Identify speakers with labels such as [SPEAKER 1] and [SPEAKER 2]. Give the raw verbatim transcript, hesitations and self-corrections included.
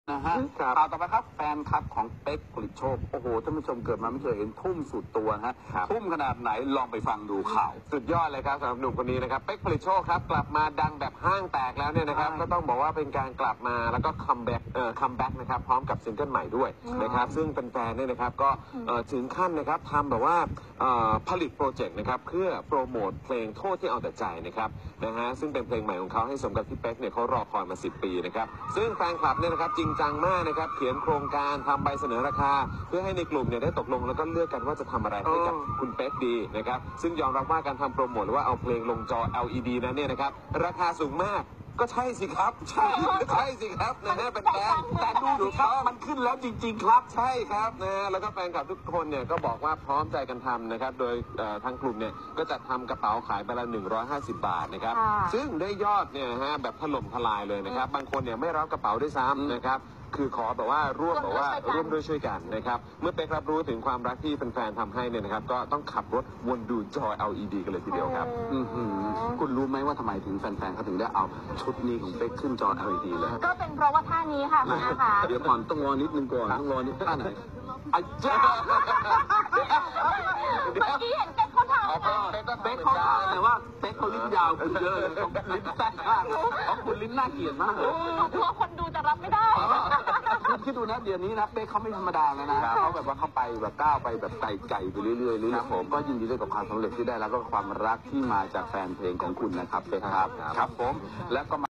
[SPEAKER 1] นะฮะข่าวต่อไปครับแฟนคลับของเป๊กผลิตโชคโอ้โหท่านผู้ชมเกิดมาไม่เคยเห็นทุ่มสุดตัวนะฮะทุ่มขนาดไหนลองไปฟังดูข่าว
[SPEAKER 2] สุดยอดเลยครับสำหรับหนุ่มคนนี้นะครับเป๊กผลิตโชคครับกลับมาดังแบบห้างแตกแล้วเนี่ยนะครับก็ต้องบอกว่าเป็นการกลับมาแล้วก็คัมแบ็กเอ่อคัมแบ็กนะครับพร้อมกับซิงเกิลใหม่ด้วยนะครับซึ่งแฟนๆเนี่ยนะครับก็ถึงขั้นนะครับทำแบบว่าผลิตโปรเจกต์นะครับเพื่อโปรโมทเพลงโทษที่เอาแต่ใจนะครับนะฮะซึ่งเป็นเพลงใหม่ของเขาให้สมกับที่เป๊กเนี่ยเขารอคอยมาสิบปีนะครับซึ่งแฟนคลับเนี่ยนะครับจริงจังมากนะครับเขียนโครงการทำใบเสนอราคาเพื่อให้ในกลุ่มเนี่ยได้ตกลงแล้วก็เลือกกันว่าจะทำอะไรให้กับคุณเป๊กดีนะครับซึ่งยอมรับว่าการทำโปรโมทหรือว่าเอาเพลงลงจอ แอล อี ดี นั้นเนี่ยนะครับราคาสูงมากก็ใช่สิครับใช่ใช่สิครับนะฮะเป็นแฟนแต่ดูดูครับมันขึ้นแล้วจริงๆครับใช่ครับนะฮะแล้วก็แฟนคลับทุกคนเนี่ยก็บอกว่าพร้อมใจกันทำนะครับโดยทางกลุ่มเนี่ยก็จะทำกระเป๋าขายไปละหนึ่งร้อยห้าสิบบาทนะครับซึ่งได้ยอดเนี่ยฮะแบบถล่มทลายเลยนะครับบางคนเนี่ยไม่รับกระเป๋าด้วยซ้ำนะครับคือขอแบบว่าร่วมแบบว่าร่วมด้วยช่วยกันนะครับเมื่อเป๊กรับรู้ถึงความรักที่แฟนๆทำให้เนี่ยนะครับก็ต้องขับรถวนดูจอ แอล อี ดี กันเลยทีเดียวครับคุณรู้ไหมว่าทำไมถึงแฟนๆเขาถึงได้เอาชุดนี้ของเป๊กขึ้นจอ แอล อี ดี เลย
[SPEAKER 3] ก็เป็นเพราะว่าท่านี้ค่ะคุณอาค่ะ
[SPEAKER 1] เดี๋ยวก่อนต้องรอนิดนึงก่อนต้องรอนิดท่าไหนอาจารย์
[SPEAKER 3] เมื่อกี้เห็นเป๊กเขาทำนะ
[SPEAKER 1] เป๊กเขาแต่ว่าเป๊กเขาลิ้นยาวคุณเยอะเลยลิ้นแซ่บมากของคุณลิ้นน่าเกลียดมากเลย
[SPEAKER 3] กลัวคนดูจะรับไม่ได้
[SPEAKER 1] คุณคิดดูนะเดี๋ยวนี้นะเป๊กเขาไม่ธรรมดาแล้วนะเขาแบบว่าเขาไปแบบก้าวไปแบบไกลๆไปเรื่อยๆเรื่อยๆผมก็ยินดีด้วยกับความสำเร็จที่ได้แล้วก็ความรักที่มาจากแฟนเพลงของคุณนะครับเป๊กครับครับผมแล้วก็